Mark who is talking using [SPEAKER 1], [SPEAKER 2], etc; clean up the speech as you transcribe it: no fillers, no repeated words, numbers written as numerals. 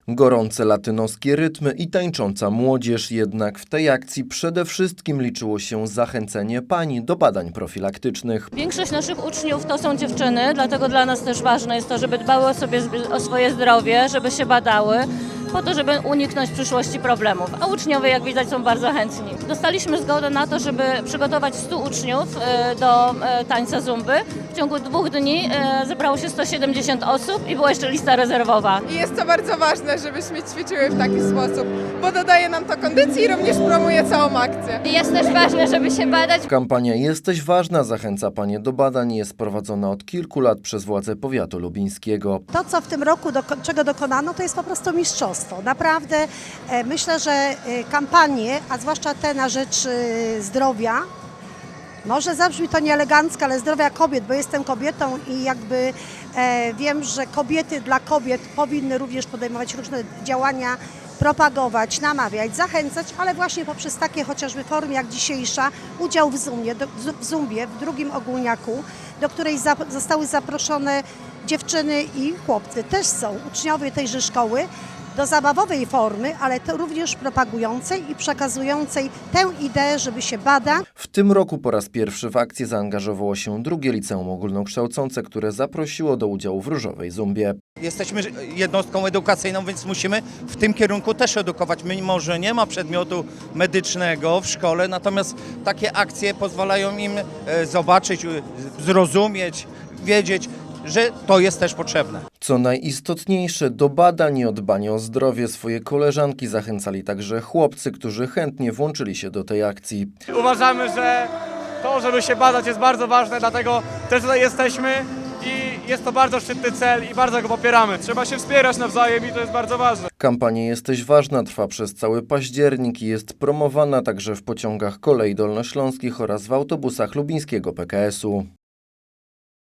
[SPEAKER 1] Gorące latynoskie rytmy i tańcząca młodzież, jednak w tej akcji przede wszystkim liczyło się zachęcenie pań do badań profilaktycznych.
[SPEAKER 2] Większość naszych uczniów to są dziewczyny, dlatego dla nas też ważne jest to, żeby dbały o swoje zdrowie, żeby się badały, po to, żeby uniknąć w przyszłości problemów. A uczniowie, jak widać, są bardzo chętni. Dostaliśmy zgodę na to, żeby przygotować 100 uczniów do tańca zumby. W ciągu 2 dni zebrało się 170 osób i była jeszcze lista rezerwowa.
[SPEAKER 3] I jest to bardzo ważne, żebyśmy ćwiczyły w taki sposób, bo dodaje nam to kondycji i również promuje całą akcję.
[SPEAKER 4] Jest też ważne, żeby się badać.
[SPEAKER 1] Kampania Jesteś ważna zachęca panie do badań jest prowadzona od kilku lat przez władze powiatu lubińskiego.
[SPEAKER 5] To, co w tym roku, czego dokonano, to jest po prostu mistrzostwo. Naprawdę myślę, że kampanie, a zwłaszcza te na rzecz zdrowia, może zabrzmi to nieelegancko, ale zdrowia kobiet, bo jestem kobietą i jakby wiem, że kobiety dla kobiet powinny również podejmować różne działania, propagować, namawiać, zachęcać, ale właśnie poprzez takie chociażby formy jak dzisiejsza, udział w zumbie, w drugim ogólniaku, do której zostały zaproszone dziewczyny i chłopcy. Też są uczniowie tejże szkoły, do zabawowej formy, ale to również propagującej i przekazującej tę ideę, żeby się badać.
[SPEAKER 1] W tym roku po raz pierwszy w akcję zaangażowało się drugie liceum ogólnokształcące, które zaprosiło do udziału w różowej zumbie.
[SPEAKER 6] Jesteśmy jednostką edukacyjną, więc musimy w tym kierunku też edukować. Mimo że nie ma przedmiotu medycznego w szkole, natomiast takie akcje pozwalają im zobaczyć, zrozumieć, wiedzieć, że to jest też potrzebne.
[SPEAKER 1] Co najistotniejsze, do badań i o dbanie o zdrowie swoje koleżanki zachęcali także chłopcy, którzy chętnie włączyli się do tej akcji.
[SPEAKER 7] Uważamy, że to, żeby się badać, jest bardzo ważne, dlatego też tutaj jesteśmy i jest to bardzo szczytny cel i bardzo go popieramy. Trzeba się wspierać nawzajem i to jest bardzo ważne.
[SPEAKER 1] Kampania Jesteś ważna trwa przez cały październik i jest promowana także w pociągach kolei dolnośląskich oraz w autobusach lubińskiego PKS-u.